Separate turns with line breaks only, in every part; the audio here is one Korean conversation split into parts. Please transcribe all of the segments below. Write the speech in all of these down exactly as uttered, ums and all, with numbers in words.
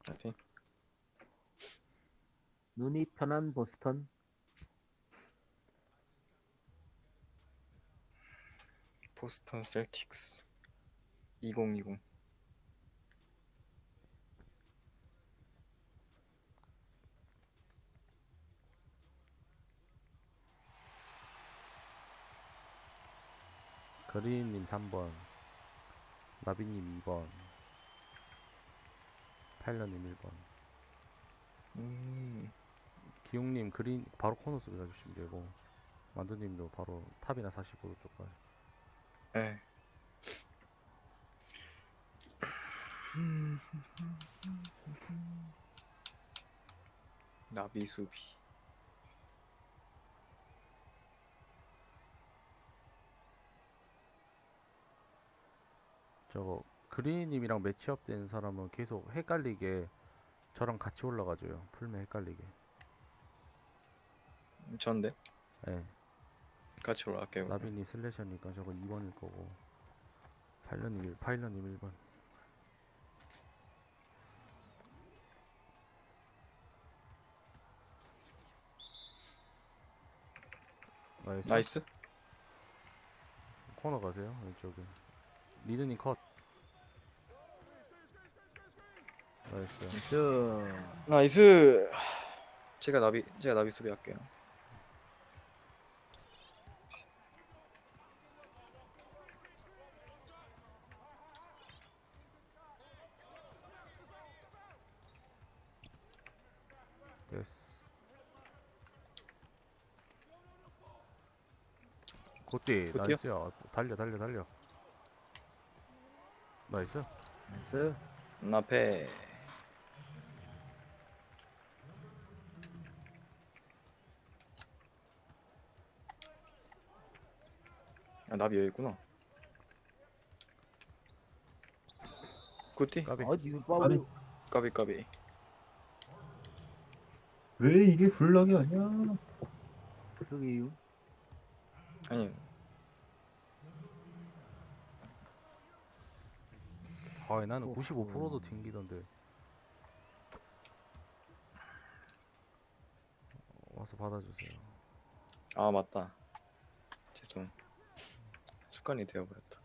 파이팅.
눈이 편한 보스턴.
보스턴 셀틱스 이천이십.
그린님 삼 번, 나비님 이 번, 파일럿님 일 번.
음,
기용님 그린 바로 코너 수비 가주시면 되고, 만두님도 바로 탑이나 사십오 도 쪽 가요.
에. 나비 수비.
저거 그린님이랑 매치업 된 사람은 계속 헷갈리게 저랑 같이 올라가줘요. 풀면 헷갈리게.
전데
예.
같이 올라갈게요. 그러면.
나비님 슬래셔니까 저거 이 번일 거고, 파일럿님 일, 파일럿님 일 번. 나이스.
나이스.
코너 가세요. 왼쪽에. 리드님 컷. 나이스.
저
나이스. 제가 나비 제가 나비 수비 할게요.
됐어. 굿디.
굿디요?
나이스야. 달려 달려 달려. 나이스.
나이스.
나페. 아, 나비 여기 있구나. 굿디.
까비.
아 지금
아니.
빠우.
까비 까비.
왜 이게 블럭이 아니야?
저기
아니
아, 나는
오호.
구십오 퍼센트도 튕기던데. 와서 받아주세요.
아 맞다. 죄송. 습관이 되어버렸다.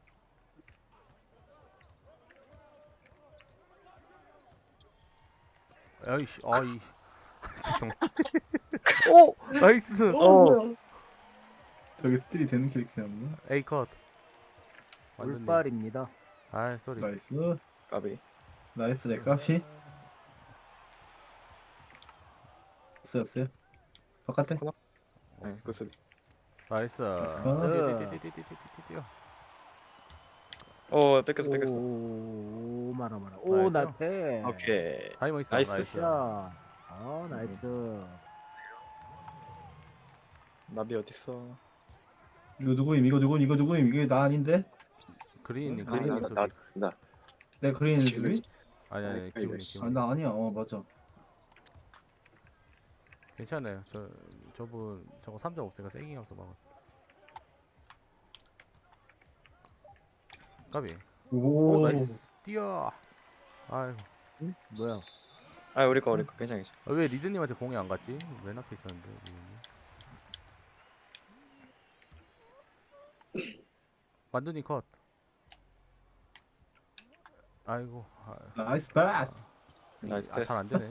아이씨, 아이. 죄송. 오! 나이스!
어. 저게 스틸이 되는 캐릭터였나?
A 컷. 완전히.
물빨입니다.
아, 쏘리.
나이스.
까비.
나이스 내 까피. 없어요 없어요. 바깥에.
네, 그 수비.
나이스.
나이스.
뛰어뛰어뛰어뛰어뛰어.
어 뺏겼어 뺏겼어.
오 마라 마라. 오
나이스요?
나패.
오케이.
타이머 있어.
나이스.
나이스.
자. 아 나이스.
나비 어딨어?
이거 누구임? 이거 누구임? 이거 누구임? 이게 나 아닌데?
그린님,
응?
그린님
아,
수비.
나, 나,
내 그린 수비?
아니, 아니,
아니,
기분이,
씨.
아
기분이.
나 아니야. 어 맞아.
괜찮아요. 저, 저분, 저거 삼 점 없으니까 세깅 하면서 막아. 까비. 오,
오.
나이스. 뛰어. 아이고.
응? 뭐야?
아 우리 거 우리 거 괜찮아 괜찮아.
아, 왜 리드님한테 공이 안 갔지? 맨 앞에 있었는데, 리드님. 만두님 컷. 아이고. 아,
나이스 패스.
나이스
아,
패스.
잘 안 되네.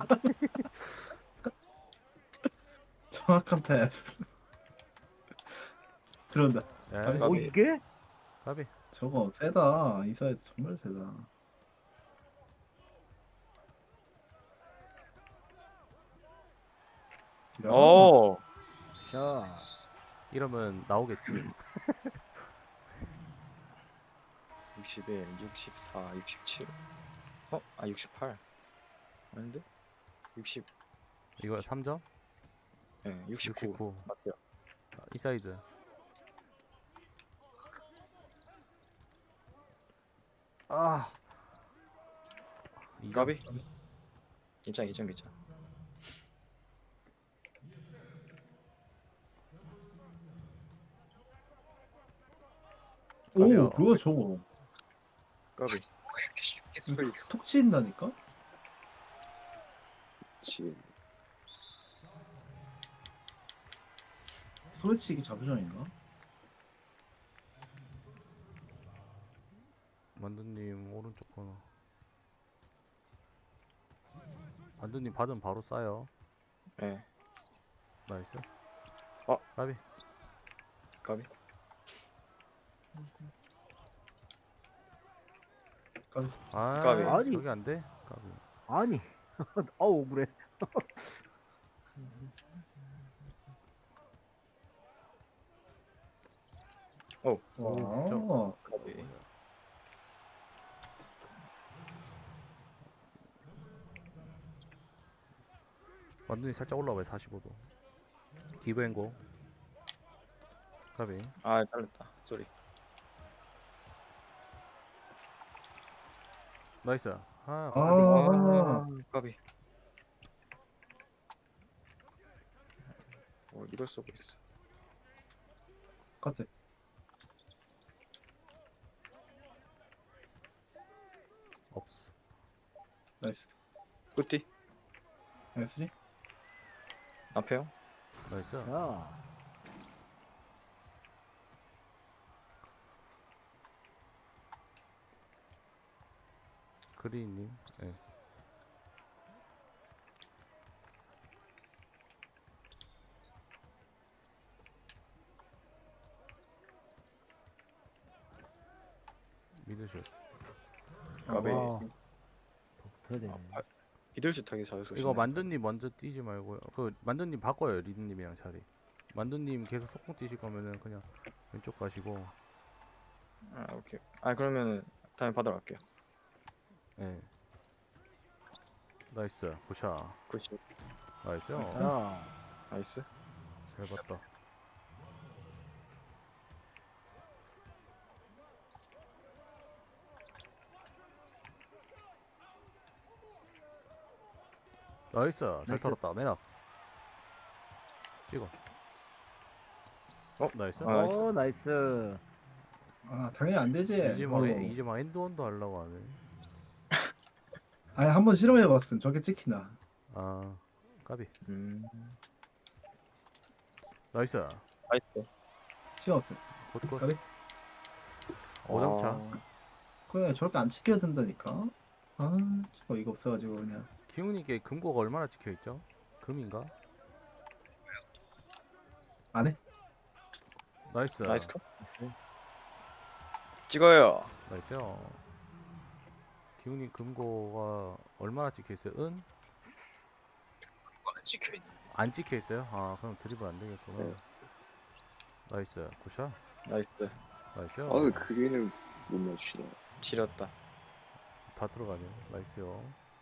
정확한 패스. 들어온다.
에이,
오
까비.
이게?
까비.
저거 세다. 이 사이즈 정말 세다. 야.
오.
자.
이러면 나오겠지.
육십일, 육십사, 육십칠. 어? 아 육십팔. 아닌데? 육십.
이거 삼 점?
예, 네, 육십구.
육십구.
맞대요.
아, 이 사이드. 아. 이 점.
까비? 괜찮아 괜찮아 괜찮아.
오
까비요.
뭐야 저거.
까비.
왜 이렇게 쉽게
이거
뚫려?
톡 치인다니까?
미치겠네.
소리치기 자부전인가?
만두님 오른쪽 코너. 만두님 받으면 바로 쏴요.
예.
나이스.
어.
까비.
까비.
아,
까비.
아니.
저기 안 돼? 까비.
아니. 아우 억울해.
와.
까비.
만두님 살짝 올라와요. 사십오 도. 기브앤고. 까비.
아, 잘렸다. 쏘리.
나이스. 아,
아,
까비.
아, 까비. 어, 이걸 쏘고 있어.
같아.
없어.
나이스.
굿디.
나이스리?
앞에요?
나이스.
자.
그리님. 예. 미드슛.
까비.
아, 더 붙어야 되네.
아, 미들슛 하기 잘 쏘시네.
이거 만두님 먼저 뛰지 말고요. 그 만두님 바꿔요. 리드님이랑 자리. 만두님 계속 속공 뛰실 거면은 그냥 왼쪽 가시고.
아, 오케이. 아, 그러면은 다음에 받으러 갈게요.
예. 나이스. 굿샷.
굿샷.
나이스.
자.
나이스.
잘 봤다. 나이스. 잘
나이스.
털었다. 맨앞. 찍어.
어?
나이스.
아, 나이스.
어, 나이스.
아, 당연히 안 되지.
이제 막
어.
이제 막 엔드원도 하려고 하네.
아니, 한번 실험해봤음. 저게 찍히나.
아, 까비.
음.
나이스.
나이스.
시간 없어.
굿굿.
까비?
오점차.
아,
그래, 저렇게 안 찍혀야 된다니까. 아, 저 이거 없어가지고 그냥.
기훈이께 금고가 얼마나 찍혀 있죠? 금인가?
안 해?
나이스.
나이스 컷. 찍어요.
나이스요. 기훈이 금고가 얼마나 찍혀 있어요? 은?
안 찍혀있네.
안 찍혀 있어요? 아, 그럼 드리블 안 되겠구나.
네.
나이스. 굿샷.
나이스.
나이스요.
아, 왜 그린을 못 맞추냐.
지렸다.
다 들어가네. 나이스요.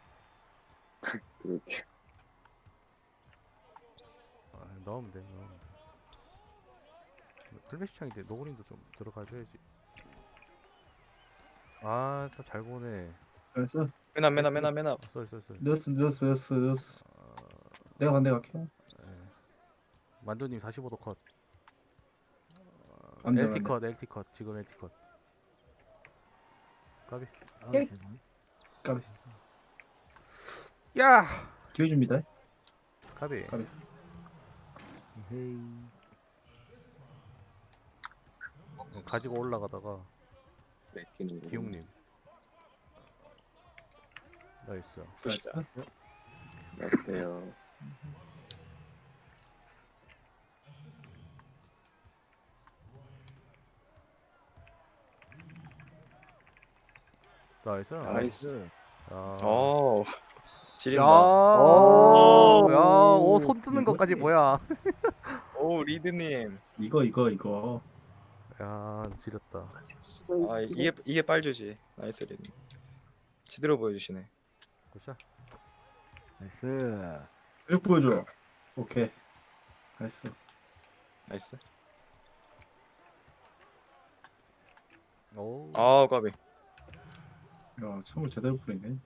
그렇게.
아, 넣으면 돼. 넣으면 돼. 플래시 창인데 노그린도 좀 들어가줘야지. 아, 다 잘 보네.
그래서
맨앞 맨앞 맨앞 맨앞.
아, 쏠, 쏠, 쏠.
넣었어, 넣었어, 넣었어, 넣었어.
아,
내가 반대 갈게.
예. 만두님 사십오 도 컷.
안 돼,
엘티
안 돼.
컷, 엘티 컷. 지금 엘티 컷. 까비.
아,
예?
죄송해요.
까비.
야!
기회 줍니다.
까비.
까비.
헤이.
가지고 올라가다가
뺏기는 거.
기용님. 나이스.
굿이다.
맞대요.
나이스.
나이스.
야.
오.
야,
지린다.
오, 야, 오, 손 뜨는
이거지.
것까지 뭐야?
오, 리드님.
이거, 이거, 이거.
야, 지렸다.
아, 이게 이게 빨주지. 나이스 리드. 제대로 보여주시네.
굿샷.
나이스.
쭉 보여줘. 오케이. 나이스.
나이스.
오.
아, 까비.
야, 처음을 제대로 뿌리네.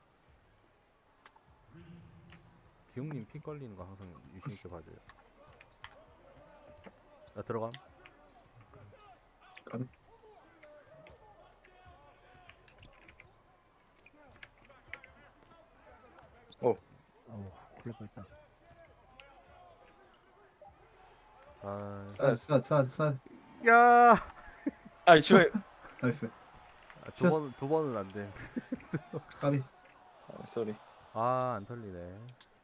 기용님 핀 걸리는 거 항상 유심 있게 봐줘요. 나 들어감.
까비.
어, 플랫 밟다.
아,
쌀쌀쌀쌀
야,
아이 저
나이스.
아, 두 번, 두 번은 안 돼.
까비.
아, 쏘리.
아, 안 털리네.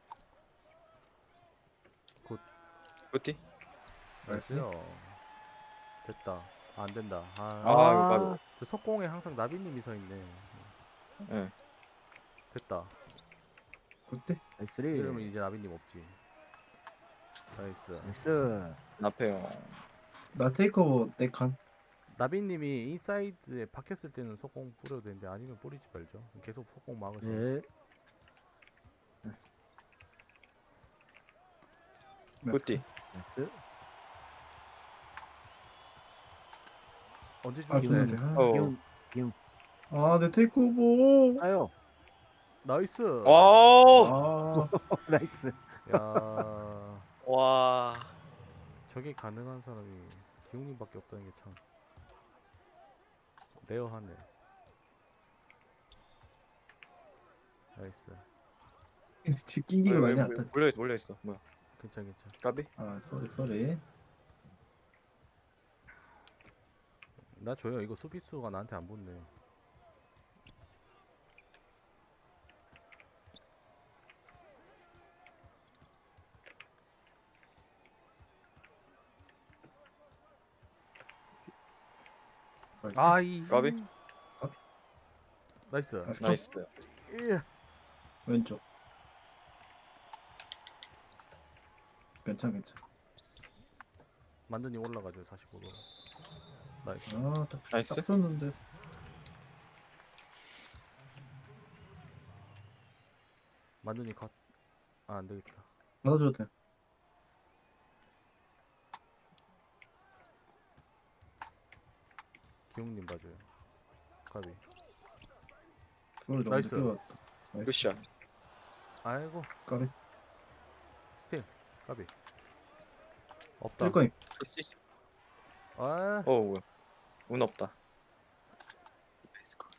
굿디.
나이스.
됐어요. 됐다. 아, 안 된다. 아,
아, 이거
저 석공에 항상 나비님이 서 있네.
예.
됐다.
굿대.
나이스리.
이러면 이제 나비님 없지. 나이스.
나이스.
나페요.
나 테이크오버 내 칸.
나비님이 인사이드에 박혔을 때는 속공 뿌려도 되는데 아니면 뿌리지 말죠. 계속 속공 막으세요.
네.
굿디.
나이스.
언제
아
죽이네.
좋은데. 아,
어.
기운 기운.
아, 내 테이크오버.
아요.
나이스.
오.
아,
나이스.
야,
와.
저게 가능한 사람이 기웅님밖에 없다는 게 참 레어하네. 나이스.
집 낑기고 난리 났다.
몰려 있어 몰려 있어. 뭐야?
괜찮 괜찮.
까비?
아, 쏘리 쏘리.
나 줘요. 이거 수비수가 나한테 안 붙네. 아이.
까비?
나이스.
나이스.
나이스.
예.
왼쪽. 괜찮 괜찮.
만두님 올라가죠. 사십오 도. 나이스.
아, 딱,
나이스.
딱 쏘는데.
만두님 컷. 아, 안 되겠다.
받아줘도 돼.
기웅님 봐줘요. 까비.
쏘리 너무
나이스.
늦게 왔다. 나이스.
굿샷.
아이고.
까비.
스틸. 까비. 없다.
뜰 거임.
아,
어 뭐야? 운 없다.
나이스 컷.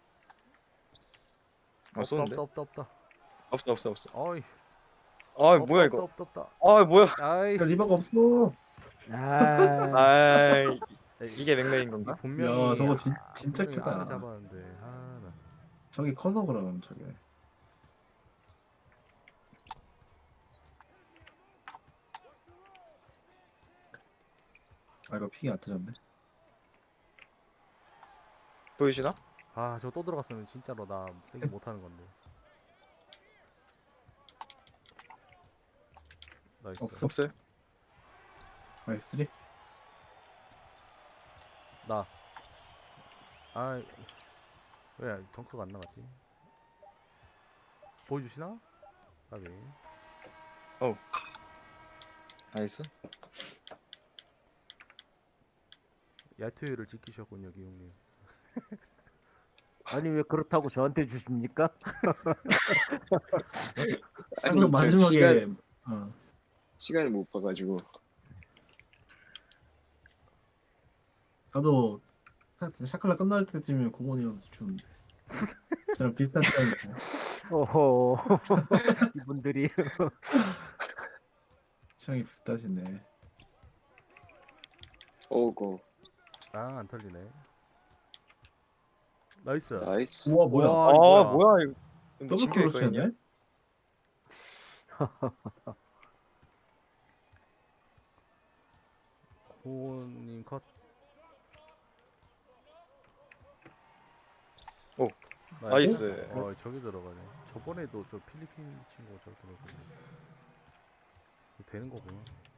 아
없다,
쏘는데?
없다, 없다, 없다.
없어 없어 없어.
어이.
아
없다,
뭐야
없다,
이거?
없다, 없다.
아 뭐야?
아이.
야, 리버가 없어.
아.
아
에이,
이게 맥락인 건가?
분명히
야, 저거 진-
아,
진짜
분명히
크다.
안에 잡았는데. 아, 나.
저기 커서 그럼 저게. 아, 이거 픽이 안 터졌네.
보여주나?
아, 저거 또 들어갔으면 진짜로 나 세게 못 하는 건데. 나이스.
없어.
없어요?
나이스 쓰리.
나. 아, 왜 덩크가 안 나갔지? 보여주시나? 까비.
나이스.
야투율을 지키셨군요, 기용님.
아니 왜 그렇다고 저한테 주십니까?
방금
저
마지막에
시간,
어,
시간을 못 봐가지고.
나도 샤- 샤클라 끝날 때쯤이면 공원이었는데 추운데. 저랑 비슷한 타임이네.
오호. 이분들이
취향이 비슷하시네.
오고.
아, 안 털리네. 나이스.
나이스.
우와 뭐야?
우와.
아
이거야.
뭐야 이거?
더블
미친 게 있거든요?
크로스였네?
호님 컷.
오, 나이스.
어, 저기 들어가네. 저번에도 저 필리핀 친구가 저렇게 넣었거든. 이거 되는 거구나.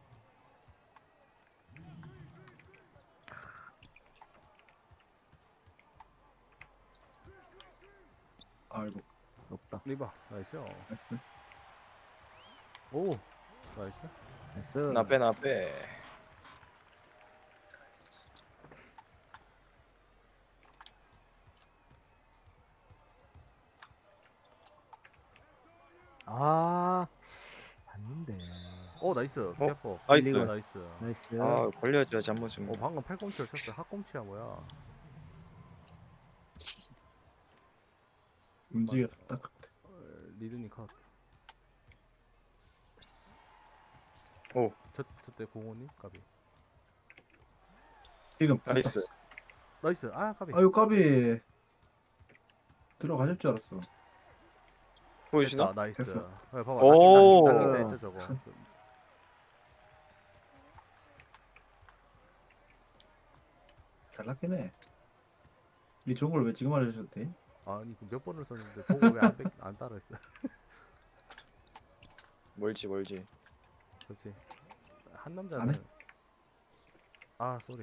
아이고
없다.
리바. 나이스.
나이스.
오. 나이스.
나이스.
나빼 나빼.
아. 봤는데.
오, 나이스. 피아퍼.
나이스.
나이스. 나이스.
나이스.
아 걸려줘야지 한 번쯤.
어, 방금 팔꿈치를 쳤어. 핫꿈치야 뭐야?
움직여서 딱 같아.
어, 리드니 컷.
오.
저 저때 공원님 까비.
지금
나이스.
나이스. 아 까비.
아유 까비. 들어가실 줄 알았어.
보여주나?
됐다. 나이스.
됐어.
야, 봐봐.
오.
낚인 낚인 낚인 했죠 저거.
잘 났긴 해. 이 좋은 걸 왜 지금 알려주셔도 돼?
아니 그 몇 번을 썼는데 보고 왜안 안 따라했어?
멀지 멀지.
그렇지. 한
안
남자는
해?
아 쏘리.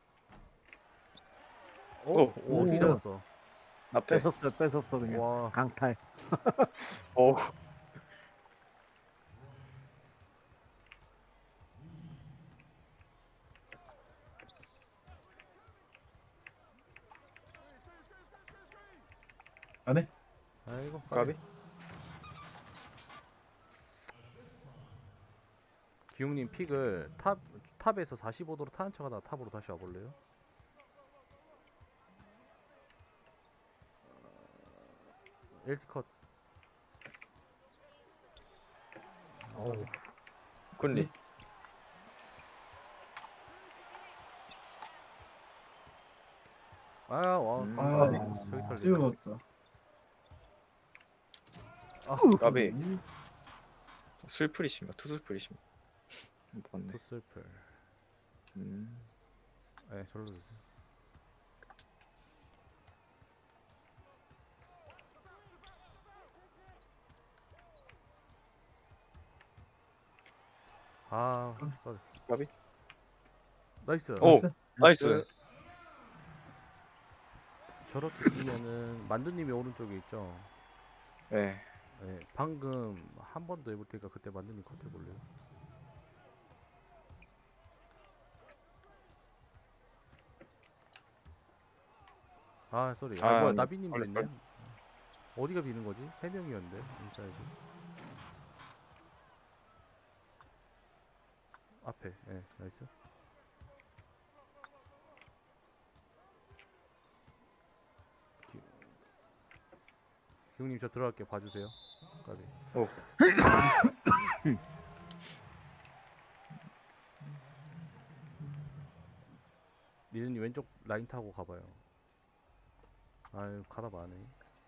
오.
오, 오 어떻게
오.
잡았어?
앞에.
뺏었어 뺏었어 그냥.
와.
강탈.
오.
안 해?
아이고
까비.
기웅님 픽을 탑 탑에서 사십오 도로 타는 척하다가 탑으로 다시 와볼래요? 엘티 컷.
어우.
굿리.
아, 와.
음.
아,
저기 털리.
찍어먹었다.
아,
까비. 술풀이신가? 투술풀이신가? 맞네.
투슬플.
음.
네, 절로 주세요. 아, 쏘리.
까비.
나이스.
오.
나이스.
나이스.
저렇게 뛰면은 만두님이 오른쪽에 있죠.
네.
네, 방금 한 번 더 해볼 테니까 그때 만두님 컷 해볼래요? 아, 쏘리. 아,
아,
뭐야,
아니,
나비님도
빨리,
있네.
빨리.
어디가 비는 거지? 세 명이었는데 인사이드. 앞에, 예, 네, 나이스. 기... 기웅님 저 들어갈게 봐주세요. 까비.
오.
리즈님 왼쪽 라인 타고 가봐요. 아유 가다 마네.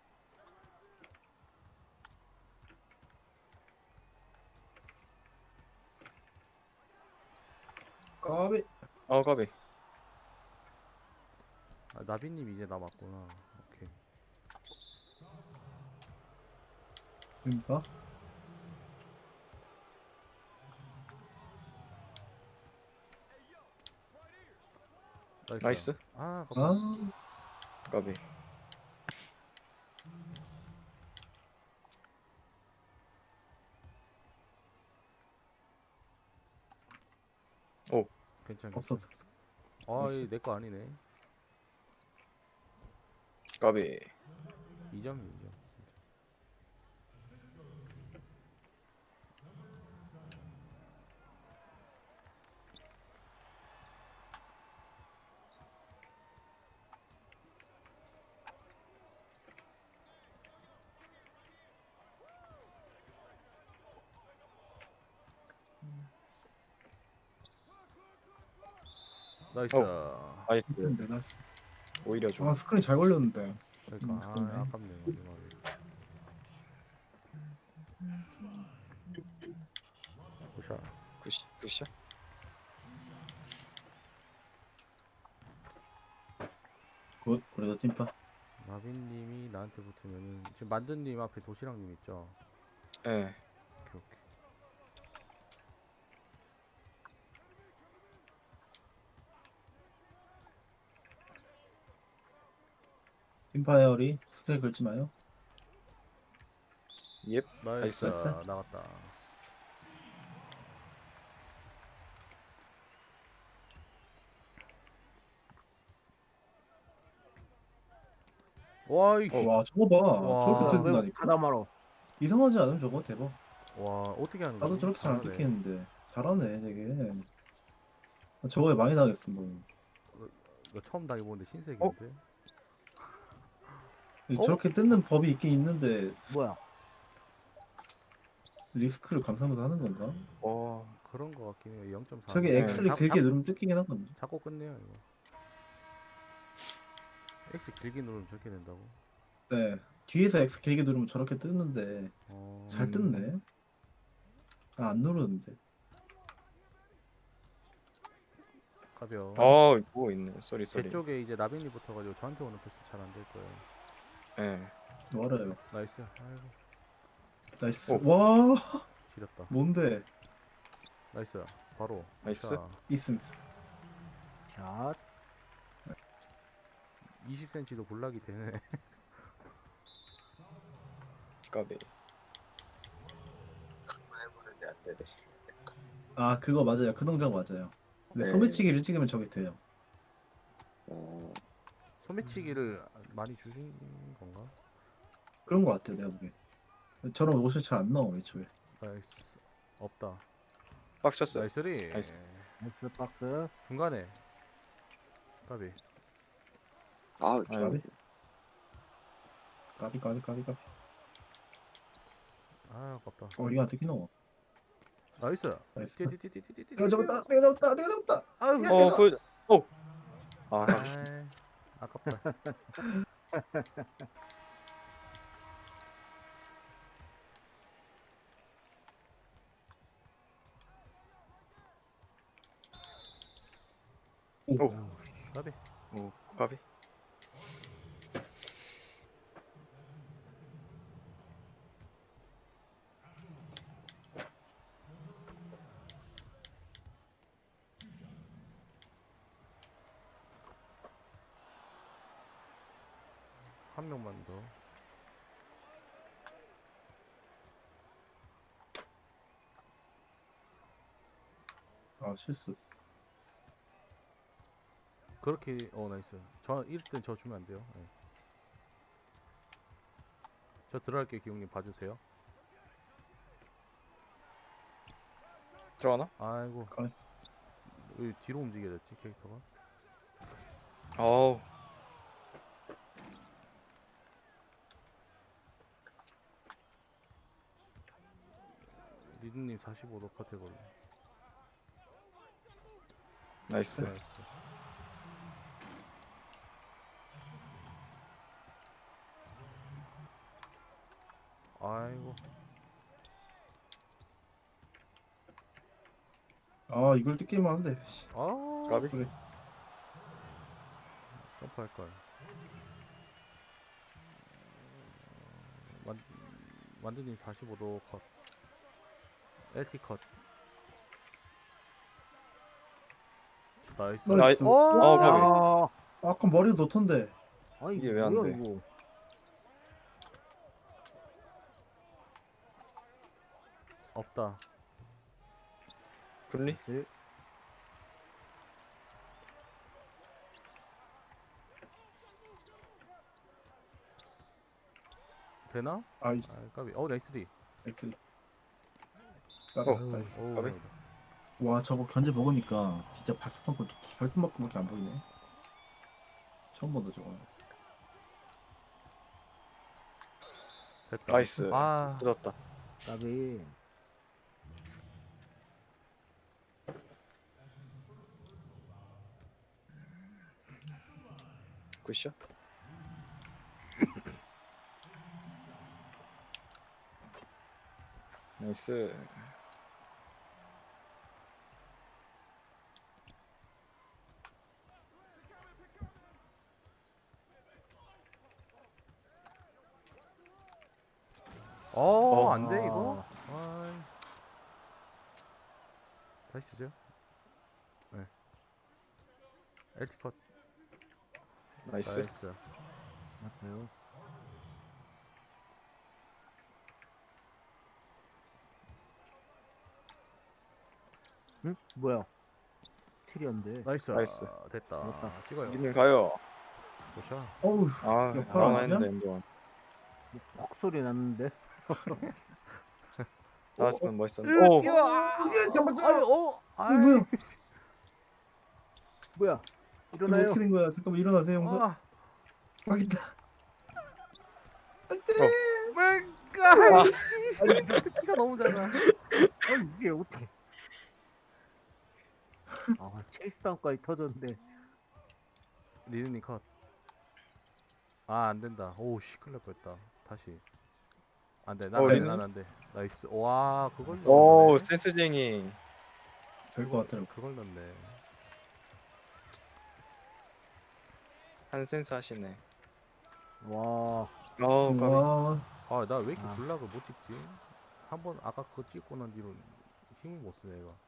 까비.
어 까비.
아, 나비님 이제 남았구나. 오케이.
그러니까.
나이스.
나이스.
아, 깜짝.
아,
까비. 오.
괜찮.
없어.
괜찮. 아,
나이스.
이 내 거 아니네.
까비.
이 점이 이 점. 나이스.
어. 나이스.
근데 나
오히려 좋아.
아, 스크린 잘 걸렸는데.
그러니까
음,
아,
그러네.
아깝네. 마지막에. 굿샷.
굿시 굿샷.
굿. 그래도 찐파.
나빈님이 나한테 붙으면은 지금 만두님 앞에 도시락님 있죠?
예. 네.
오케이 오케이.
찐파 에어리. 스크린 걸지 마요.
옙.
나이스.
나이스.
나갔다. 와, 이
와, 저거 봐.
와.
저렇게
왜
뜯는다니까.
가다 말어.
이상하지 않음 저거 대박.
와, 어떻게 하는 거지?
나도 저렇게 잘 안
잘하네.
뜯기는데 잘하네 되게. 저거에 많이 당했어 뭐.
이거 처음 당해보는데 신세계인데? 어?
저렇게 뜯는 법이 있긴 있는데
뭐야?
리스크를 감수하면서 하는 건가?
와
그런 거 같긴 해요. 영 점 사.
저게
네.
X를 길게 누르면 뜯기긴 하거든요.
잡고 끝내요 이거. X 길게 누르면 저렇게 된다고.
네. 뒤에서 X 길게 누르면 저렇게 뜨는데
어...
잘
음.
뜯네. 아, 안 누르는데.
가벼.
어 뭐 있네 쏘리
제
쏘리
쪽에 이제 나빈이 붙어가지고 저한테 오는 패스 잘 안 될 거예요.
예
멀어요.
나이스. 아이고
나이스.
오.
와,
지렸다.
뭔데?
나이스. 바로.
나이스.
자,
있음 있음.
샷.
이십 센티미터도 볼락이 되네.
까비
해보는데 안 되네.
아, 그거 맞아요. 그 동작 맞아요. 근데
네.
소매치기를 찍으면 저게 돼요.
어,
소매치기를 많이 주신 건가?
그런 거 같아요, 내가 보기엔. 저런 옷이 잘 안 나와, 애초에.
나이스. 없다.
빡쳤어요
나이스리.
나이스.
엑스 박스.
중간에. 까비.
아,
아이고.
까비? 까비, 까비, 까비, 까비.
아, 아깝다.
어, 이거 어떻게 넣어?
나이스.
나이스.
띠띠띠띠띠띠.
내가 잡았다, 내가 잡았다, 내가 잡았다.
아유.
야,
어 그.. 어! 아
아이, 아깝다.
오.
까비.
오 까비
한 명만 더.
아, 실수.
그렇게 어 나이스. 저 이럴 땐 저 주면 안 돼요. 네. 저 들어갈게요. 기용님 봐주세요.
들어가나?
아이고.
아.
왜 뒤로 움직여야 됐지 캐릭터가?
어우
리드님 사십오 도 카테고리.
나이스
나이스. 아이고.
아, 이걸 뜯기만 한데. 씨.
아.
까비
그래.
점프할 걸. 만 만두님 사십오 도 컷. 엘티 컷. 나이스.
나이스.
나이-
오!
어, 까비.
아,
아까 머리가 놓던데.
아
이게
이게
왜안
뭐야
돼?
이거?
없다.
분리?
네.
되나?
아, 이
아, 까비. 어, 나이스리.
X.
어.
아, 나이스.
오.
까비.
와, 저거 견제 먹으니까 진짜 발톱만큼 발톱만큼밖에 안 보이네. 처음 본다 저거.
됐다.
나이스
아,
뜯었다
까비.
굿샷 나이스
어,
어.
안 돼, 이거? 아이. 다시 주세요. 네. 엘티 컷.
나이스
나이스.
맞아요. 응? 뭐야? 틸이었는데.
나이스.
나이스.
아, 됐다.
됐다.
찍어요.
님 가요
보셔.
어우,
아
옆으로
나만
안
했는데
하냐?
엔조원
퍽 소리 났는데.
나왔으면 멋있었는데 오!
뛰어! 아,
잠깐만.
아유, 어,
어,
아이.
뭐야?
뭐야?
이거
일어나요.
어떻게 된 거야? 잠깐만 일어나세요, 형사.
아,
확인다.
어.
맹, 그, 아, 씨. 키가 너무 작아.
아니 이게 어떻게? 아 체이스 다운까지 터졌는데.
리드님 컷. 아, 안 된다. 오, 씨, 큰일 날 뻔했다. 다시. 안 돼.
어,
난안 돼.
리드님?
난안 돼. 나이스. 와, 그걸
오
넣네.
센스쟁이.
될 것 같더라고.
그걸 넣네.
한 센스 하시네.
와
어우 까비.
와,
아, 나 왜 이렇게
아.
블락을 못 찍지? 한 번 아까 그거 찍고 난 뒤로 힘을 못 쓰네, 얘가.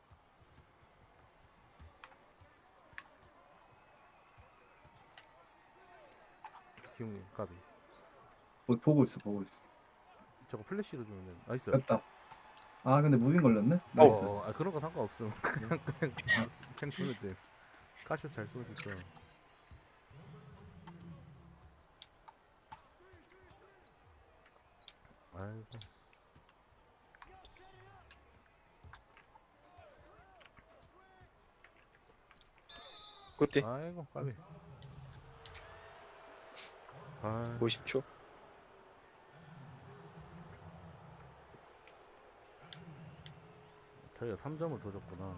기웅님, 까비.
뭐 보고 있어, 보고 있어.
저거 플래시로 주면 돼. 나이스.
됐다. 아, 근데 무빙 걸렸네? 나이스.
어, 어, 아, 그런 거 상관없음. 그냥 그냥 그냥 쏘면 돼. 카쇼 잘 쏘니까. 아이고.
굿디.
아이고, 까비. 아,
오십 초.
저희가 삼 점을 줘줬구나.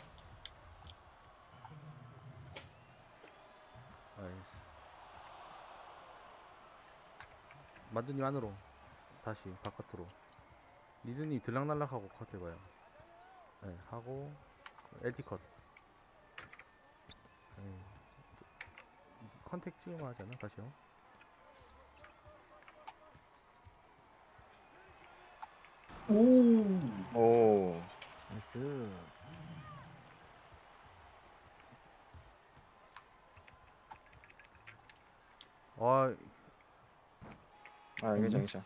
아이씨. 만두님 안으로. 다시 바깥으로. 리드님 들락날락하고 컷 해봐요. 네, 하고 엘티 컷. 네. 컨택 찍으면 하잖아, 다시요.
오,
오.
나이스.
아,
아 괜찮 괜찮.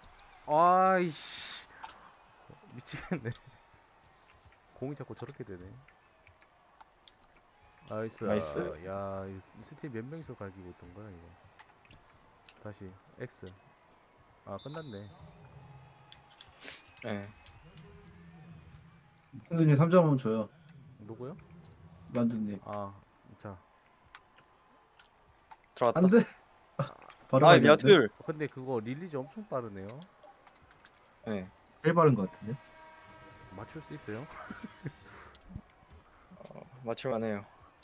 아이씨. 미치겠네. 공이 자꾸 저렇게 되네. 나이스.
나이스.
야, 이 스팀 몇 명이서 갈기고 있던 거야, 이거. 다시 X. 아, 끝났네.
예.
만두님 삼 점 한번 줘요.
누구요?
만두님.
아, 자.
들어갔다.
안 돼. 바로
아
가야 되는데?
니아툴.
근데 그거 릴리즈 엄청 빠르네요.
예.
제일 빠른 것 같은데?
맞출 수 있어요?
맞출만해요.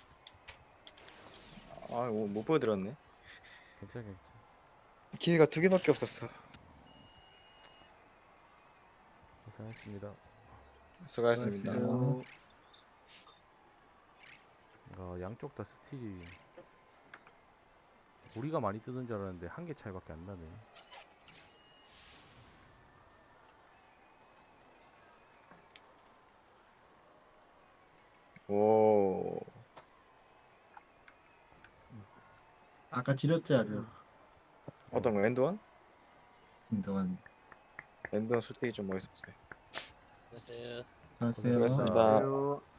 아못 보여드렸네.
괜찮아, 괜찮아.
기회가 두 개밖에 없었어.
고생했습니다.
수고하셨습니다.
수고하셨습니다.
아, 양쪽 다 스틸이 우리가 많이 뜨는 줄 알았는데 한 개 차이밖에 안 나네.
오.
아까 지렸지, 아주.
어떤 거 엔드원?
김동환.
엔드원 솔직히 좀 멋있었어요.
안녕하세요.
수고하셨어요.
수고하셨습니다.
안녕하세요.